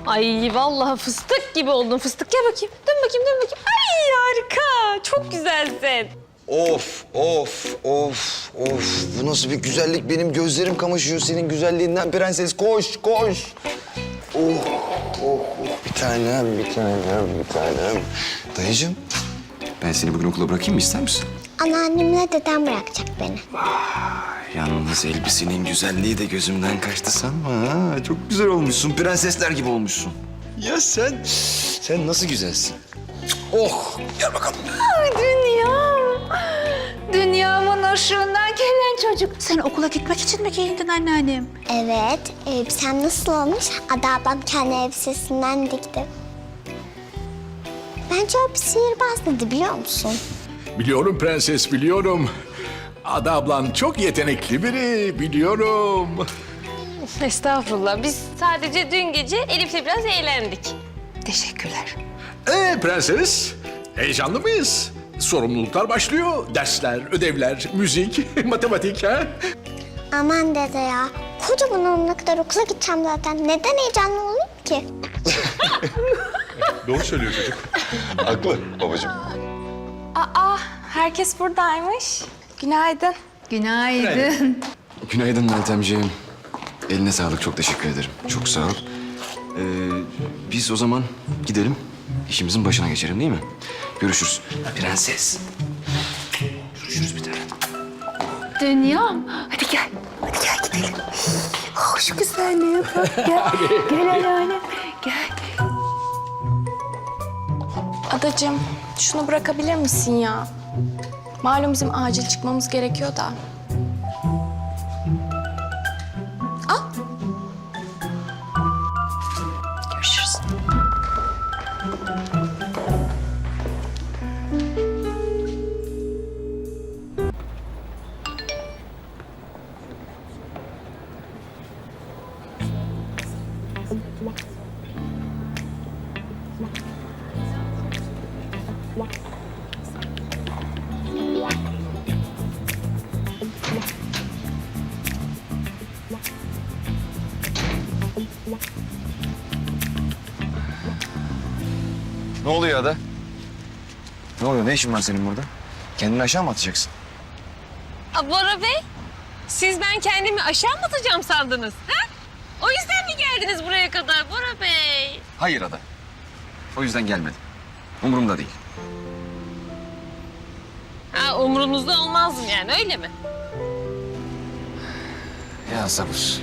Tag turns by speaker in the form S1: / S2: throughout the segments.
S1: Ay vallahi fıstık gibi oldun fıstık. Gel bakayım. Dön bakayım, dön bakayım. Ay harika. Çok güzelsin.
S2: Of, of, of, of. Bu nasıl bir güzellik? Benim gözlerim kamaşıyor senin güzelliğinden prenses. Koş, koş. Oh, oh, oh. Bir tanem, bir tanem, bir tanem. Dayıcığım, ben seni bugün okula bırakayım mı? İster misin?
S3: Anneannemle dedem bırakacak beni.
S2: Yalnız elbisenin güzelliği de gözümden kaçtı sanma ha. Çok güzel olmuşsun, prensesler gibi olmuşsun. Ya sen nasıl güzelsin. Oh, gel bakalım.
S4: Ay dünyam. Dünyamın ışığından gelen çocuk. Sen okula gitmek için mi giyindin anneannem?
S3: Evet, elbisem nasıl olmuş? Ada ablam kendi elbisesinden dikti. Bence o bir sihirbaz dedi biliyor musun?
S5: Biliyorum prenses, biliyorum. Ada ablan çok yetenekli biri, biliyorum.
S1: Estağfurullah. Biz sadece dün gece Elif'le biraz eğlendik.
S4: Teşekkürler.
S5: Prenses, heyecanlı mıyız? Sorumluluklar başlıyor. Dersler, ödevler, müzik, matematik ha?
S3: Aman dede ya, kocaman olana kadar okula gideceğim zaten. Neden heyecanlı olayım ki?
S5: Doğru söylüyor çocuk.
S2: Haklı babacığım.
S6: Aa, herkes buradaymış. Günaydın.
S4: Günaydın.
S2: Günaydın Meltemciğim. Eline sağlık, çok teşekkür ederim. Çok sağ ol. Biz o zaman gidelim, işimizin başına geçelim değil mi? Görüşürüz. Prenses. Görüşürüz bir tane.
S4: Dünyam. Hadi gel. Hadi gel gidelim. Oh, şu güzelliğe bak. Gel. Gel anneannem. Gel.
S6: Adacığım, şunu bırakabilir misin ya? Malum bizim acil çıkmamız gerekiyor da. Al. Görüşürüz.
S2: Ne oluyor Ada? Ne oluyor? Ne işin var senin burada? Kendini aşağı mı atacaksın?
S1: Bora Bey, siz ben kendimi aşağı mı atacağım sandınız? Ha? O yüzden mi geldiniz buraya kadar Bora Bey?
S2: Hayır Ada. O yüzden gelmedim. Umurumda değil.
S1: Ha, umurunuzda olmazdım yani öyle mi?
S2: Ya sabır.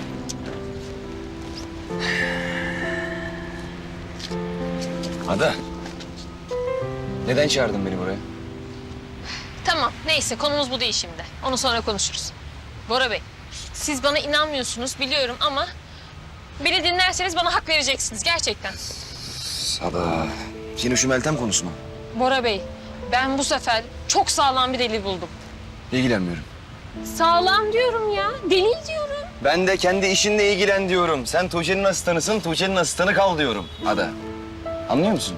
S2: Ada. Neden çağırdın beni buraya?
S1: Tamam neyse konumuz bu değil şimdi. Onu sonra konuşuruz. Bora Bey, siz bana inanmıyorsunuz biliyorum ama... ...beni dinlerseniz bana hak vereceksiniz gerçekten.
S2: Ada. Yine şu Meltem konusu mu?
S1: Bora Bey, ben bu sefer çok sağlam bir delil buldum.
S2: İlgilenmiyorum.
S1: Sağlam diyorum ya, delil diyorum.
S2: Ben de kendi işinle ilgilen diyorum. Sen Tuğçe'nin asistanısın, Tuğçe'nin asistanı kal diyorum. Ada. Anlıyor musun?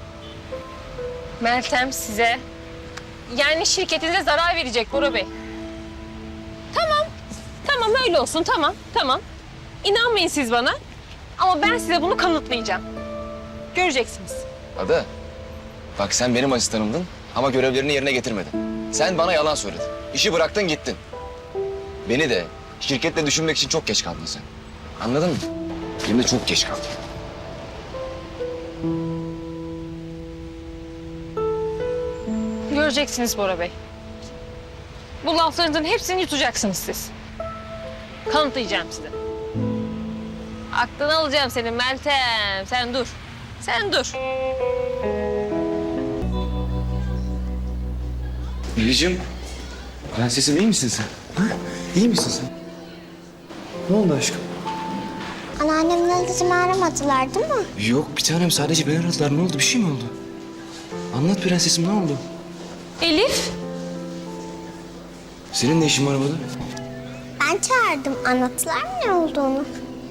S1: Meltem size, yani şirketinize zarar verecek Bora Bey. Tamam, tamam öyle olsun, tamam. İnanmayın siz bana ama ben size bunu kanıtlayacağım. Göreceksiniz.
S2: Ada. Bak sen benim asistanımdın ama görevlerini yerine getirmedin. Sen bana yalan söyledin. İşi bıraktın gittin. Beni de şirketle düşünmek için çok geç kaldın sen. Anladın mı? Hem de çok geç kaldın.
S1: Göreceksiniz Bora Bey. Bu laflarınızın hepsini yutacaksınız siz. Kanıtlayacağım size. Aklını alacağım senin Meltem. Sen dur. Sen dur.
S2: Melih'ciğim, prensesim iyi misin sen? Ha? İyi misin sen? Ne oldu aşkım?
S3: Anneannemle dedemi aramadılar değil mi?
S2: Yok bir tanem, sadece beni aradılar. Ne oldu? Bir şey mi oldu? Anlat prensesim, ne oldu?
S1: Elif.
S2: Senin ne işin var burada?
S3: Ben çağırdım. Anlattılar mı ne olduğunu?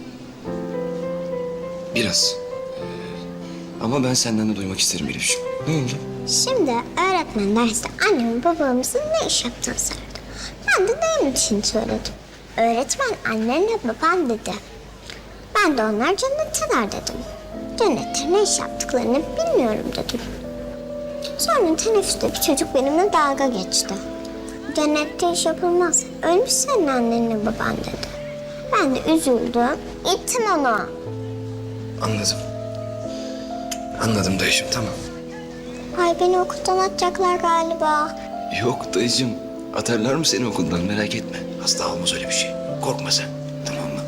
S2: Biraz. Ama ben senden de duymak isterim Elif'ciğim. Ne oldu?
S3: Şimdi öğretmen derste annemin babamızın ne iş yaptığını sordu. Ben de dayımın işini söyledim. Öğretmen annenle baban dedi. Ben de onlar cennetteler dedim. Cennette ne iş yaptıklarını bilmiyorum dedim. Sonra teneffüste bir çocuk benimle dalga geçti. Cennette iş yapılmaz. Ölmüş senin annenle baban dedi. Ben de üzüldüm. İttim onu.
S2: Anladım. Anladım dayıcığım, tamam.
S3: Ay beni okuldan atacaklar galiba.
S2: Yok dayıcığım, atarlar mı seni okuldan, merak etme. Asla olmaz öyle bir şey. Korkma sen, tamam mı?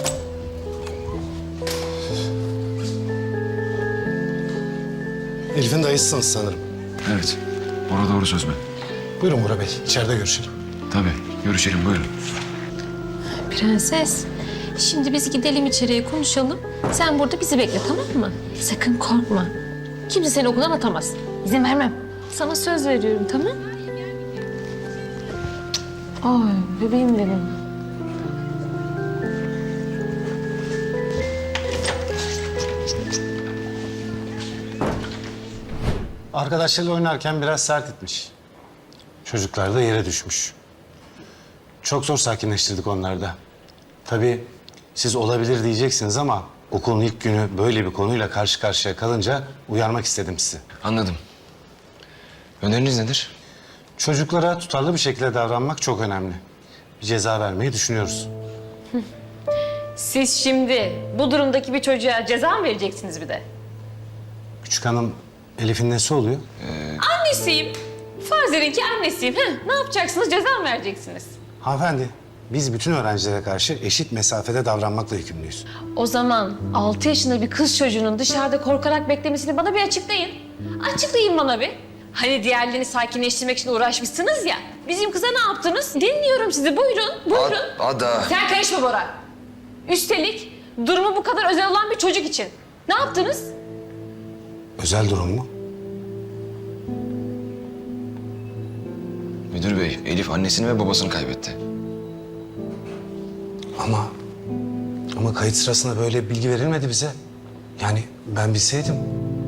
S7: Elif'in dayısısınız sanırım.
S8: Evet. Bora doğru söz mü?
S7: Buyurun Bora Bey, içeride görüşelim.
S8: Tabii. Görüşelim buyurun.
S1: Prenses, şimdi biz gidelim içeriye konuşalım. Sen burada bizi bekle, tamam mı? Sakın korkma. Kimse seni okuldan atamaz. İzin vermem. Sana söz veriyorum, tamam? Ay bebeğim benim.
S7: Arkadaşlarıyla oynarken biraz sert etmiş. Çocuklar da yere düşmüş. Çok zor sakinleştirdik onları da. Tabii siz olabilir diyeceksiniz ama okulun ilk günü böyle bir konuyla karşı karşıya kalınca uyarmak istedim sizi.
S2: Anladım. Öneriniz nedir?
S7: Çocuklara tutarlı bir şekilde davranmak çok önemli. Bir ceza vermeyi düşünüyoruz.
S1: Siz şimdi bu durumdaki bir çocuğa ceza mı vereceksiniz bir de?
S7: Küçük hanım Elif'in nesi oluyor?
S1: Annesiyim. Farz edin ki annesiyim. Ne yapacaksınız? Ceza mı vereceksiniz?
S7: Hanımefendi, biz bütün öğrencilere karşı eşit mesafede davranmakla yükümlüyüz.
S1: O zaman 6 yaşında bir kız çocuğunun dışarıda korkarak beklemesini bana bir açıklayın. Açıklayın bana bir. Hani diğerlerini sakinleştirmek için uğraşmışsınız ya. Bizim kıza ne yaptınız? Dinliyorum sizi. Buyurun, buyurun.
S2: Ada.
S1: Sen karışma Bora. Üstelik durumu bu kadar özel olan bir çocuk için. Ne yaptınız?
S7: Özel durum mu?
S2: Müdür bey, Elif annesini ve babasını kaybetti.
S7: Ama kayıt sırasında böyle bilgi verilmedi bize. Yani ben bilseydim.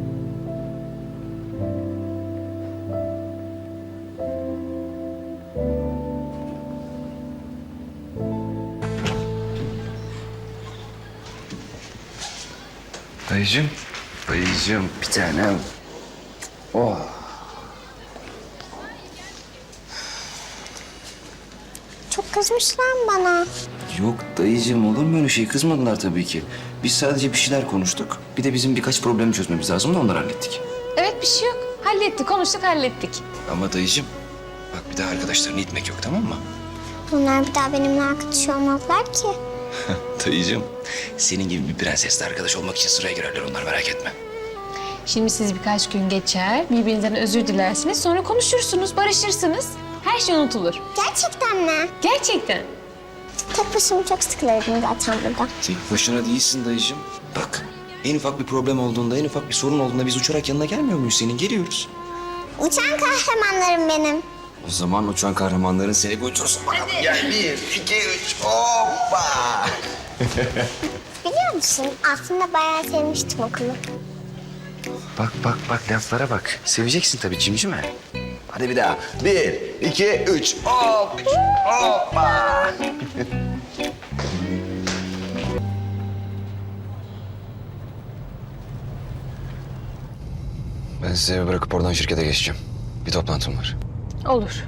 S2: Dayıcığım, dayıcığım bir tanem. Oh.
S3: Çok kızmışlar bana.
S2: Yok dayıcığım, olur mu öyle şey? Kızmadılar tabii ki. Biz sadece bir şeyler konuştuk. Bir de bizim birkaç problemi çözmemiz lazım da onları hallettik.
S1: Evet bir şey yok. Hallettik, konuştuk, hallettik.
S2: Ama dayıcığım, bak bir daha arkadaşlarını itmek yok, tamam mı?
S3: Bunlar bir daha benimle arkadaş olmazlar ki.
S2: Dayıcığım, senin gibi bir prensesle arkadaş olmak için sıraya girerler onlar, merak etme.
S1: Şimdi siz birkaç gün geçer, birbirinizden özür dilersiniz, sonra konuşursunuz, barışırsınız. Her şey unutulur.
S3: Gerçekten mi?
S1: Gerçekten.
S3: Tek başıma çok sıkılırdım zaten burada.
S2: Tek başına değilsin dayıcığım. Bak, en ufak bir problem olduğunda, en ufak bir sorun olduğunda biz uçarak yanına gelmiyor muyuz senin? Geliyoruz.
S3: Uçan kahramanlarım benim.
S2: O zaman uçan kahramanların seni bir uçursun bakalım. Gel, 1, 2, 3, hoppa!
S3: Biliyor musun? Aslında bayağı sevmiştim okulu.
S2: Bak, bak, bak, laflara bak. Seveceksin tabii cimcime. Hadi bir daha. 1, 2, 3, hop! Hoppa! Ben sizi eve bırakıp oradan şirkete geçeceğim. Bir toplantım var.
S1: Olur.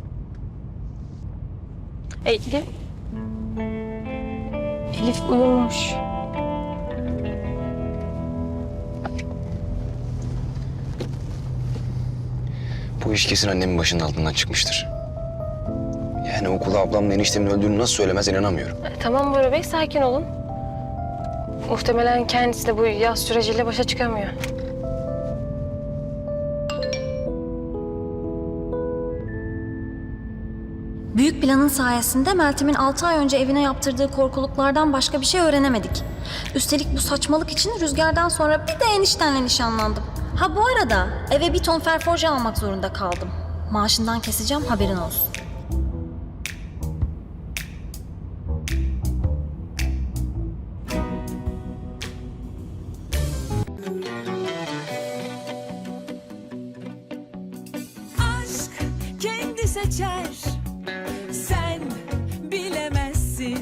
S1: Elif. Elif uyumuş.
S2: Bu iş kesin annemin başının altından çıkmıştır. Yani okula ablamla eniştemin öldüğünü nasıl söylemez inanamıyorum.
S1: Tamam Bora Bey, sakin olun. Muhtemelen kendisi de bu yaz süreciyle başa çıkamıyor.
S9: Büyük planın sayesinde Meltem'in 6 ay önce evine yaptırdığı korkuluklardan başka bir şey öğrenemedik. Üstelik bu saçmalık için Rüzgar'dan sonra bir de eniştenle nişanlandım. Ha bu arada eve bir ton ferforje almak zorunda kaldım. Maaşından keseceğim, haberin olsun.
S10: Aşk kendi seçer